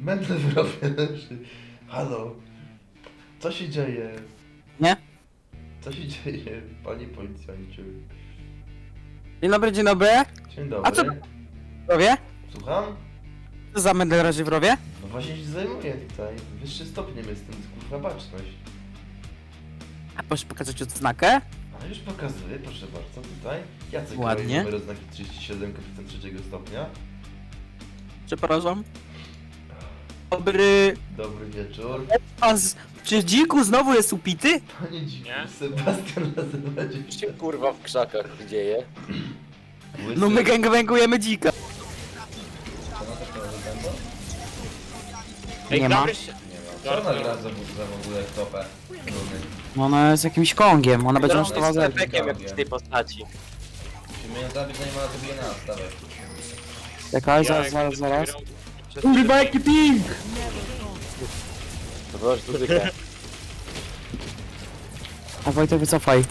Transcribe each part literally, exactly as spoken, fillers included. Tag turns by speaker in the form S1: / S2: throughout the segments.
S1: Mędle w rowie leży. Halo. Co się dzieje?
S2: Nie?
S1: Co się dzieje, panie policjancie?
S2: Dzień dobry, dzień dobry.
S1: Dzień dobry.
S2: A co- Rowie?
S1: Słucham?
S2: Co za mędel razie w rowie?
S1: No właśnie się zajmuję tutaj. Wyższy stopniem jestem, kurwa baczność.
S2: A proszę pokazać odznakę?
S1: A już pokazuję, proszę bardzo, tutaj. Jacek
S2: Ładnie.
S1: Kraj, numer oznaki trzydzieści siedem, kapitan trzeciego stopnia.
S2: Przepraszam. Dobry...
S1: Dobry wieczór.
S2: A z... Czy dziku znowu jest upity?
S1: Panie dziku,
S3: Nie?
S1: Sebastian nazywa
S4: Co się kurwa w krzakach dzieje?
S2: No my gangbangujemy dzika.
S3: Ej,
S2: Nie ma.
S3: dobry się-
S5: Co ona gra za, za w ogóle w topę?
S2: No ona jest jakimś kongiem, ona będzie
S4: Drone
S2: kosztowała
S4: jest
S2: zero.
S4: efekiem jak w tej postaci.
S5: Musimy ją zabić, zanim ona zabije nas, dawaj.
S2: Czekaj,
S3: Ja
S2: zaraz,
S3: jak
S2: zaraz, zaraz.
S3: grał przez-
S2: Kurwa, jaki ping!
S4: To była sztuka.
S2: A Wojtek, wycofaj.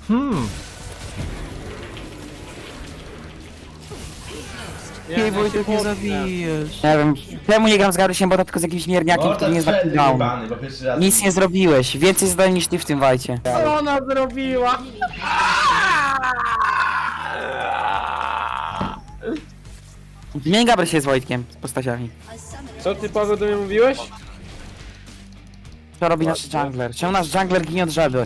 S2: Nie, Wojtek, nie zabijesz. Nie wiem, czemu nie gram z Garysiem, bo to tylko z jakimś mierniakiem, który nie zna down.
S5: jebany, bo pierwszy raz...
S2: Nic nie zrobiłeś, więcej zdań niż ty w tym wajcie.
S6: Co ona zrobiła?
S2: Zmień Gabry się z Wojtkiem, z postaciami.
S6: Co ty, Paweł, do mnie mówiłeś?
S2: Co robi nasz jungler? Czemu nasz jungler ginie od żaby?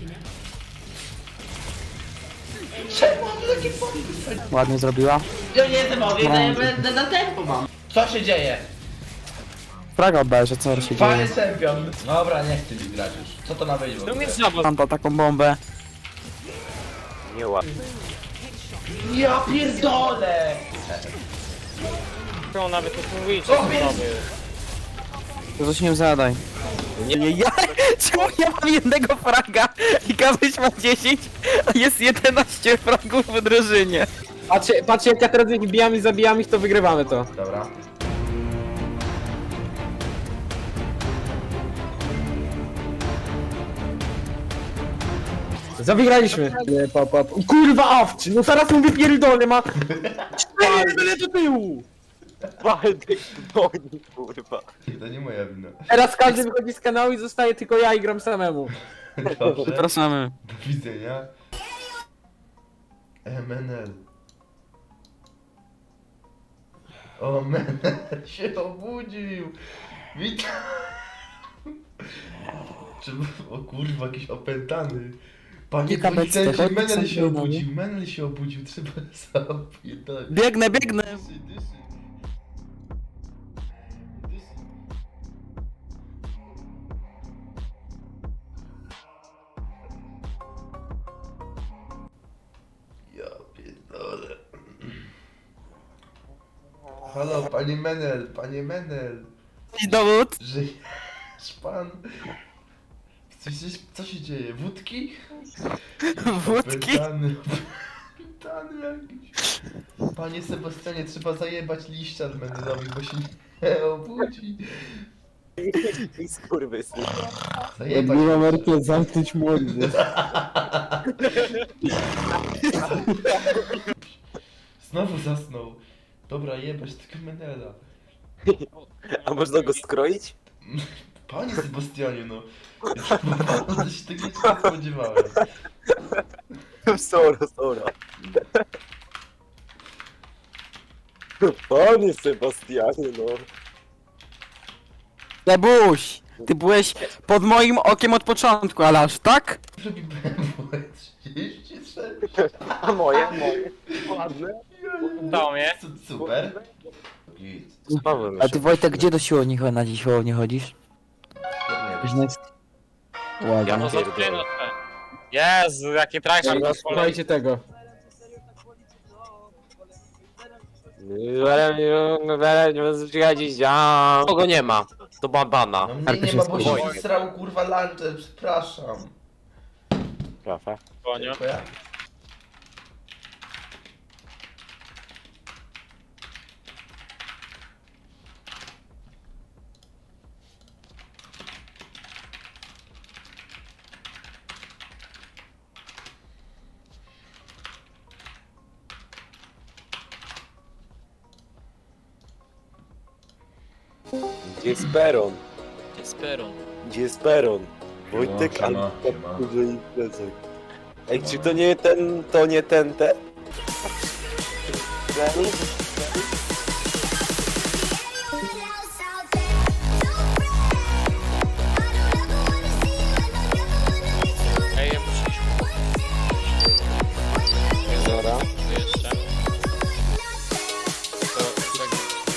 S2: Ładnie zrobiła.
S5: Ja nie jestem mogę,
S2: No.
S5: ja będę na tempo mam. Co się dzieje?
S2: Fraga oddaję, że co się
S5: Panie
S2: dzieje.
S5: czempion. Dobra, nie chcę mi grać już. Co to ma być w
S3: Tu
S5: ogóle?
S3: mnie znowu.
S2: Mam to taką bombę.
S4: Nieładnie.
S5: Ja pierdolę!
S3: On nawet nie mówi, co znowu.
S2: To coś nie zadaj. Nie, nie, ja, czemu ja mam jednego fraga i Kabyś ma dziesięć, a jest jedenaście fragów w drużynie.
S6: Patrzcie, patrzcie jak ja teraz ich bijam i zabijam ich, to wygrywamy to.
S5: Dobra.
S6: Zawygraliśmy. Nie, pa, pa, pa. Kurwa awczy, no zaraz mu wypierdolę, ma... Cztery tyle do tyłu!
S4: Waldek goni, kurwa.
S1: To nie moja wina.
S6: Teraz każdy wychodzi z kanału i zostaje tylko ja i gram samemu.
S1: Dobrze.
S2: Zapraszamy.
S1: Do widzenia. M N L. O, Menel się obudził. Witam. Czy, o kurwa, jakiś opętany. Panie
S2: Kilka
S1: policjancie,
S2: beczek, chodź,
S1: Menel się
S2: są
S1: obudził, Menel się obudził, trzeba zapierdolić.
S2: Biegnę, biegnę.
S1: Dyszy, dyszy. Dyszy. Ja pierdolę. Halo, panie Menel, panie Menel.
S2: I dowód.
S1: Żyjesz pan? Coś, coś, co się dzieje? Wódki?
S2: Wódki.
S1: Opętany, opętany jakiś. Panie Sebastianie, trzeba zajebać liścia Menelowi, bo się nie obudzi.
S4: Skurwysyn.
S1: Zajebać.
S6: Merkel zamknąć mordę.
S1: Znowu zasnął. Dobra, jebać tego Menela.
S4: A można go skroić?
S1: Panie Sebastianie, no. Ja się tego nie spodziewałem.
S4: Sora, sora. Panie Sebastianie, no.
S2: Lebuś, ty byłeś pod moim okiem od początku, ale aż tak?
S1: Robi B M W trzydzieści sześć.
S4: A moje? Moje. Ładne.
S3: Dało mnie.
S1: Su- Super. Git.
S4: Z Pawłem
S2: A ty Wojtek, gdzie do siłowni cho- na dziś siłownię chodzisz?
S1: Nie wiem.
S4: Ja
S3: No
S4: no
S3: zatknę. Jezu, jakie trajki.
S6: Dobra, słuchajcie tego.
S4: Kogo nie ma? To babana.
S1: No mnie
S2: Arka
S1: nie
S2: się
S1: ma, bo
S2: spojrzy.
S1: się srał kurwa luncher, przepraszam.
S4: Trafa.
S3: Konio.
S1: Dziękuję.
S4: Gdzie jest Peron?
S3: Esperon.
S4: Gdzie jest Peron? Wojtek,
S1: No, siema,
S4: ale
S1: siema.
S4: duży imprezek. Ej, czy to nie ten, to nie ten, ten?
S3: Ej, ja muszę iść.
S4: Dobra.
S3: Tu jeszcze. To czekaj.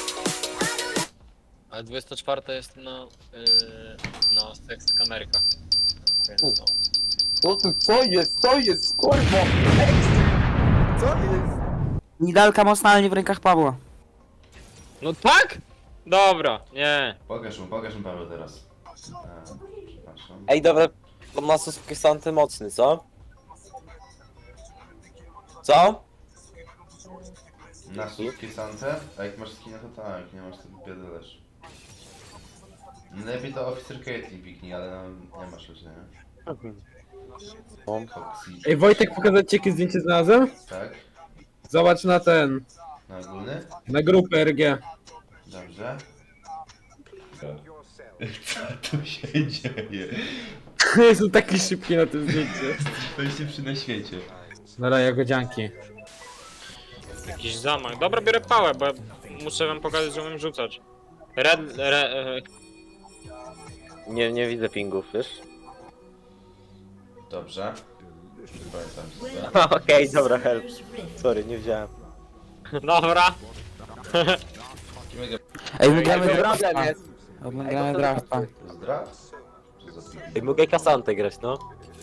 S3: Ale dwudziesta czwarta jest na... Yy, na seks kamerkach. Więc no.
S4: Co tu, co jest, co jest, kurwa? Co jest?
S2: Nidalka mocna, ale nie w rękach Pawła.
S3: No tak? Dobra, nie.
S1: Pokaż mu, pokaż mu Paweł teraz. A, przepraszam.
S4: Ej, dobra, to Nasus jest antymocny, co? Co?
S1: Na słówki Santę? A jak masz skina to tak, nie masz to biedolesz. Lepiej to Officer Caitlyn piknij, ale no, nie masz już, nie? Foxy.
S6: Ej, Wojtek, pokazać ci jakie zdjęcie znalazłem?
S1: Tak?
S6: Zobacz na ten,
S1: Na ogólny?
S6: na grupę R G.
S1: Dobrze. Co tu się dzieje?
S6: Jest taki szybki na tym zdjęciu.
S1: Najszybszy na świecie.
S6: Dobra, jagodzianki.
S3: Jakiś zamach. Dobra, biorę pałę, bo ja muszę wam pokazać, że umiem rzucać. Red... Re, e,
S4: Nie, nie widzę pingów, wiesz?
S1: Dobrze. Pamiętam się.
S4: Okej, dobra, help. Sorry, nie wziąłem.
S3: dobra.
S2: Ej, my gramy
S4: Ej,
S2: drafta.
S4: problem jest.
S2: My gramy drafta.
S1: To jest draft? Czy za pik?
S4: Ej, mogę Kasantę grać, no?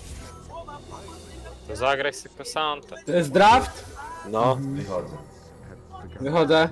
S3: To zagraj sobie Kasantę.
S6: To jest draft?
S4: No.
S1: Wychodzę.
S6: Wychodzę.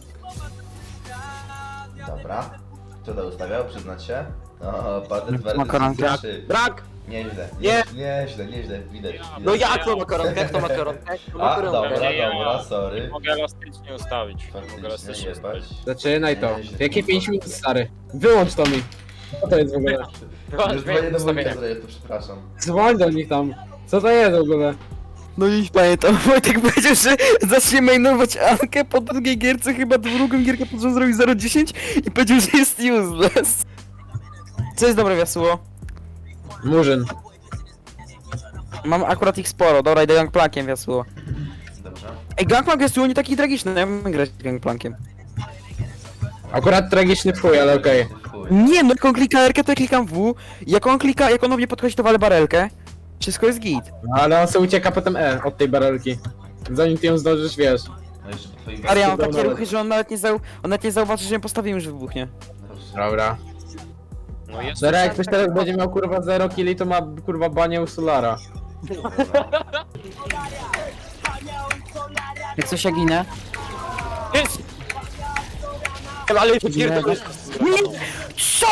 S1: Dobra. Kto to ustawiał? Przyznać się? No, patent
S2: Makaronka.
S1: warty trzy.
S4: Brak!
S1: Nieźle,
S4: Nie.
S1: nie, nieźle, nieźle, widać. widać.
S4: No jak to makaronkę? Kto makaronkę? Kto
S1: A,
S4: makaronkę?
S1: dobra,
S3: Nie, ja.
S1: dobra, sorry.
S3: Mogę elastycznie ustawić. Mogę
S1: Faktycznie,
S3: elastycznie
S1: jebać.
S3: ustawić.
S6: Zaczynaj to. Jakie pięć minut, stary? Wyłącz to mi. Co to jest w ogóle?
S1: Już dzwonię do Wojtka, to przepraszam.
S6: Dzwoń do nich tam. Co to jest w ogóle?
S2: No dziś pamiętam, Wojtek powiedział, że zacznie mainować Ankę po drugiej gierce, chyba drugą gierkę pod rząd zrobił zero dziesięć i powiedział, że jest useless. Co jest dobre, Wiasuło?
S6: Murzyn.
S2: Mam akurat ich sporo, dobra, idę gangplankiem, Wiasuło.
S1: Dobrze.
S2: Ej, gangplank jest nie taki tragiczny, ja bym grać gangplankiem.
S6: Akurat tragiczny w chuj, ale okej.
S1: Chuj.
S2: Nie, no jak on klika R, to ja klikam W, jak on klika, jak on do mnie podchodzi, to walę barelkę. Wszystko jest git.
S6: Ale on sobie ucieka potem E od tej barelki. Zanim ty ją zdążysz, wiesz.
S1: No jeszcze po twoim
S2: Ale ja mam takie
S6: Dobra.
S2: ruchy, że on nawet nie, zau on nawet nie zauważy, że ją postawiłem, że wybuchnie.
S6: Dobra.
S3: No jest.
S6: Zara, jak ktoś teraz będzie miał kurwa zero killi, to ma kurwa banię u Solara.
S2: Jak coś ja ginę?
S3: Jest!
S4: Ale
S2: Nie, co?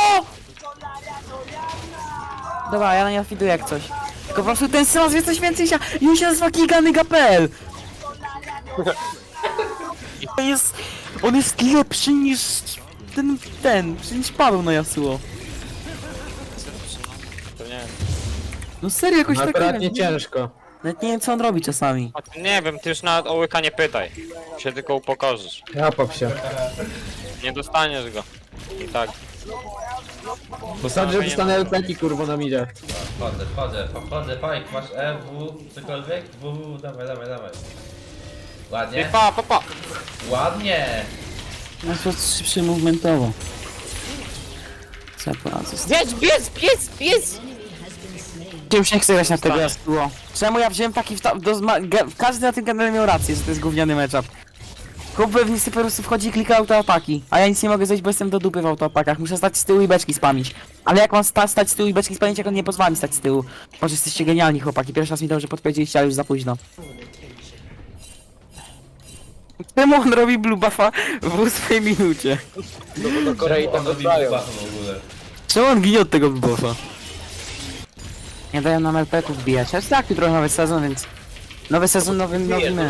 S2: Dobra, ja na nią fiduję jak coś. Tylko po prostu ten Sylas wie coś więcej się... I on się nazywa Giganyga.pl. I to jest... On jest lepszy niż... Ten... ten... niż Paweł na Yasuo.
S3: To nie.
S2: No serio, jakoś
S6: No
S2: tak...
S6: akurat
S2: nie
S6: nie
S2: wiem,
S6: ciężko.
S2: Nawet nie wiem co on robi czasami.
S3: A ty nie wiem, ty już nawet o łyka nie pytaj. Się tylko upokorzysz.
S6: Japap się.
S3: Nie dostaniesz go. I tak.
S6: Posadzę, że dostanę leki kurwa na midzie.
S5: Wchodzę, wchodzę, wchodzę, fajk, masz E, W, cokolwiek? W, W, dawaj, dawaj, dawaj.
S3: I
S5: Ładnie,
S3: pa, pa, pa.
S5: ładnie!
S2: No to szybszy movementowo. Co ja poradzę?
S3: Biec, biec, biec, biec!
S2: Ty już nie chcę grać na tego Yasuo. Czemu ja wziąłem taki... wta- Do zma- ge- każdy na tym kanale miał rację, że to jest gówniany matchup. Chłop pewnie sobie po prostu wchodzi i klika autoataki, a ja nic nie mogę zrobić, bo jestem do dupy w autoatakach. Muszę stać z tyłu i beczki spamić. Ale jak mam sta stać z tyłu i beczki spamić, jak on nie pozwala mi stać z tyłu? Może jesteście genialni chłopaki, pierwszy raz mi dobrze podpowiedzieliście, ale już za późno. Czemu on robi blue buffa w ósmej minucie?
S4: do Korei tam
S5: On robi
S4: dostają.
S5: bufa w ogóle.
S2: Czemu on ginie od tego blue buffa? Nie dają nam L P ków wbijać, ale tak, jutro nowy sezon, więc... Nowy sezon, nowy, nowy my.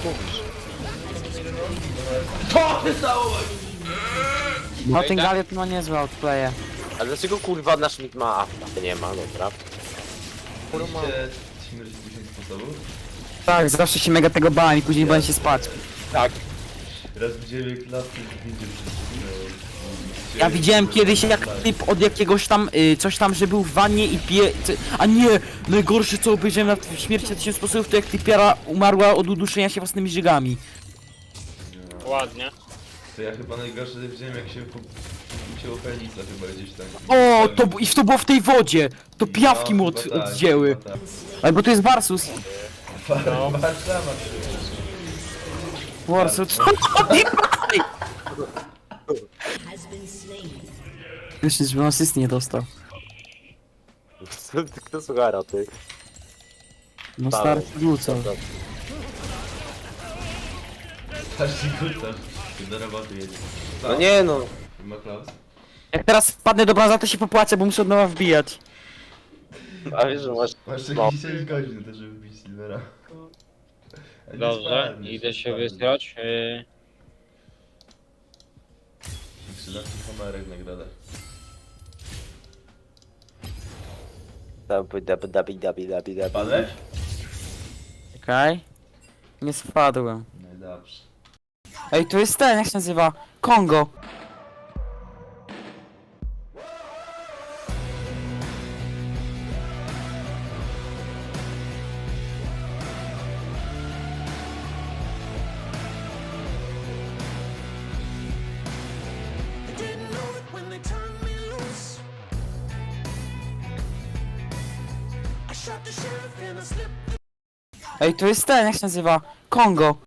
S5: To stało!
S2: No ten Galiot ma niezłe outplaye.
S4: A dlaczego kurwa nasz mit ma afta? Nie ma, dobra.
S1: Mieliście ci mierzyć dziesięć sposobów?
S2: Tak, zawsze się mega tego bałem i później bałem się spać.
S4: Tak.
S1: Teraz widziałem jak lasy będzie
S2: Ja widziałem kiedyś jak typ od jakiegoś tam, y, coś tam, że był w wannie i pije... co- A nie! Najgorsze co obejrzałem na w śmierci na tysiąc sposobów to jak typiara umarła od uduszenia się własnymi żygami.
S3: Ładnie.
S1: To ja chyba najgorsze widziałem jak się ucięło penisa chyba gdzieś tam.
S2: O, to, b- i to było w tej wodzie! To pijawki mu
S1: No,
S2: od,
S1: chyba tak,
S2: oddzięły.
S1: chyba tak.
S2: Ale bo to jest Warsus.
S3: No.
S1: Warszawa.
S2: Warsus, co? Myślę, żeby on asysty nie dostał.
S4: Kto słuchara, ty?
S2: No stary, rzucał.
S1: Patrzcie kucasz. Ty do roboty jedzie.
S4: No nie no.
S1: Ma Klaus?
S2: Jak teraz wpadnę do brąza, to się popłaczę, bo muszę od nowa wbijać.
S4: A wiesz, że masz...
S1: Masz
S4: No.
S1: jakieś sześć godzin też, żeby bić Silvera. A nie
S3: Dobrze,
S1: spadniesz,
S3: idę
S1: nie
S3: się
S1: spadniesz.
S3: wysrać. Yy,
S1: trzynaście kamerek nagroda.
S4: Dabi, dabi, dabi, dabi, dabi, dabi.
S1: Padłeś?
S2: Czekaj. Nie spadłem.
S1: No i dobrze.
S2: Ej, to jest ten, jak się nazywa? Kongo.
S7: Didn't know it when they turned me loose. I shot the sheriff and I slipped.
S2: Ej, to jest ten, jak się nazywa? Kongo.